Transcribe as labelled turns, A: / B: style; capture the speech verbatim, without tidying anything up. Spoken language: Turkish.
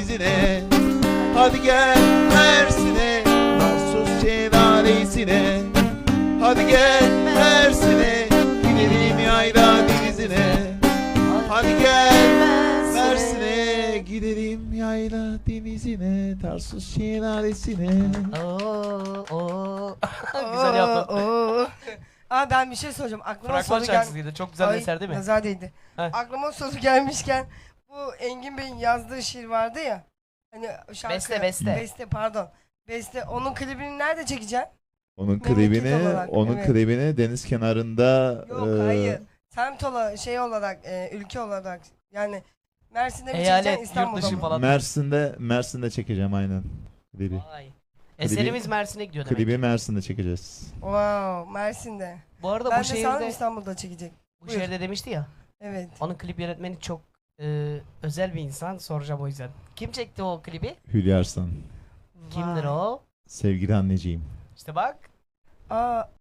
A: denizine. Hadi gel Mersin'e, Tarsus şelalesine. Hadi gel Mersin'e, gidelim yayla denizine. Hadi gel Mersin'e, gidelim yayla denizine, Tarsus şelalesine.
B: Oo, oo. Güzel yaptın.
C: Oo. Aa, ben bir şey soracağım. Aklıma
B: Fragman
C: soru gel.
B: şarkısıydı. Çok güzel bir eser değil mi?
C: Nazar değdi.
B: Heh.
C: Aklıma soru gelmişken bu Engin Bey'in yazdığı şiir vardı ya. Hani şarkı.
B: Beste, beste.
C: Beste pardon. Beste. Onun klibini nerede çekeceksin?
A: Onun
C: Memleket
A: klibini,
C: olarak,
A: onun
C: evet.
A: klibini deniz kenarında.
C: Yok
A: e,
C: hayır. Semt olarak, şey olarak, e, ülke olarak. Yani Mersin'de mi
B: Eyalet,
C: çekeceksin,
B: yurt
C: İstanbul'da
B: dışı
C: mı?
B: falan.
A: Mersin'de, Mersin'de çekeceğim aynen klibi.
B: Vay. Eserimiz Mersin'e gidiyor demek.
A: Klibi Mersin'de çekeceğiz.
C: Wow, Mersin'de.
B: Bu arada
C: Ben
B: bu
C: de sanırım
B: şehirde,
C: İstanbul'da çekecek.
B: bu
C: Buyur.
B: şehirde demişti ya.
C: Evet.
B: Onun klip yönetmeni çok e, özel bir insan. Soracağım o yüzden. Kim çekti o klibi?
A: Hülya Arslan.
B: Kimdir
C: Vay.
B: o?
A: Sevgili anneciğim.
B: İşte bak.
C: Aa,